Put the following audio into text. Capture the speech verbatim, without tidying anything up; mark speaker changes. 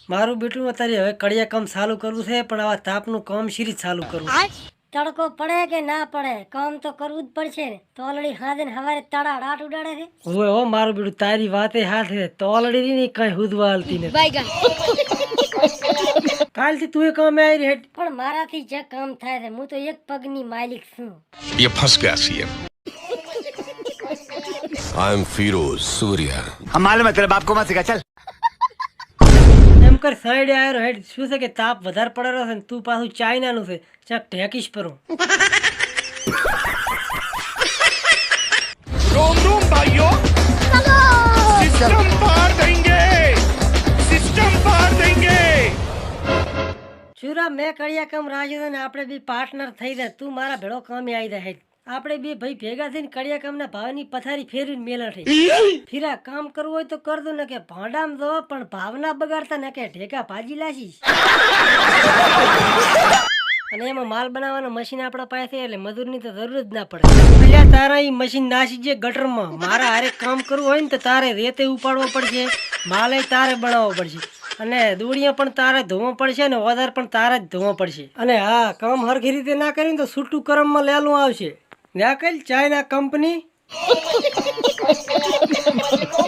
Speaker 1: મારું બેટું અત્યારે હવે કડિયા કામ ચાલુ કરવું છે, પણ આવા તાપનું કામ શીરી ચાલુ કરવું.
Speaker 2: તડકો પડે કે ના પડે કામ તો કરવું જ પડશે ને. તો ઓલરેડી હાજે ને હવારે તડા રાટ ઉડાડે છે.
Speaker 1: ઓય હો મારું બેટું તારી વાતે હાથ છે, તો ઓલરેડી ની કઈ હુદવા હાલતી નથી. કાલથી તું એ કામ આવી રહી.
Speaker 2: પણ મારાથી જે કામ થાય છે, હું તો એક પગની માલિક છું.
Speaker 3: ये फंस गया CM. I am Firoz Surya.
Speaker 4: हम मालूम है तेरे बाप को मत सिखा चल.
Speaker 1: એમ कर સાઈડે આવ્યો હેડ. શું છે કે તાપ વધારે પડેલો છે ને તું પાછું ચાઇનાનું છે, ચાક ઢેકીશ પરું.
Speaker 5: रोम रोम भाइयों, सिस्टम पार देंगे, सिस्टम पार देंगे.
Speaker 1: ચુરા મેં કડિયા કામ રાખ્યું છે ને આપણે બી પાર્ટનર થઈ જાય. તું મારા ભેળો કામે આવી જાય હેડ. આપણે બે ભાઈ ભેગા થઈને કડિયા કામના ભાવની પથારી ફેરવીને મેલા થઈ. ફીરા કામ કરવું હોય તો કરજો ને કે ભાંડામ જો, પણ ભાવના બગાડતા ને કે ઢેકા ભાજી લાશીશ. અને એમાં માલ બનાવવાનું મશીન આપણા પાસે છે, એટલે મજૂરની તો જરૂર જ ના પડે. અલ્યા તારા ઈ મશીન નાસી જે ગટરમાં. મારા હારે કામ કરવું હોય ને તો તારે રેતે ઉપાડવો પડશે, માલે તારે બનાવવો પડશે, અને દોડીਆਂ પણ તારે ધોવો પડશે ને ઓધાર પણ તારે જ ધોવો પડશે. અને હા, કામ હરખી રીતે ના કરીને તો છૂટું કરમમાં લેલું આવશે. ના કઈ ચાઇના કંપની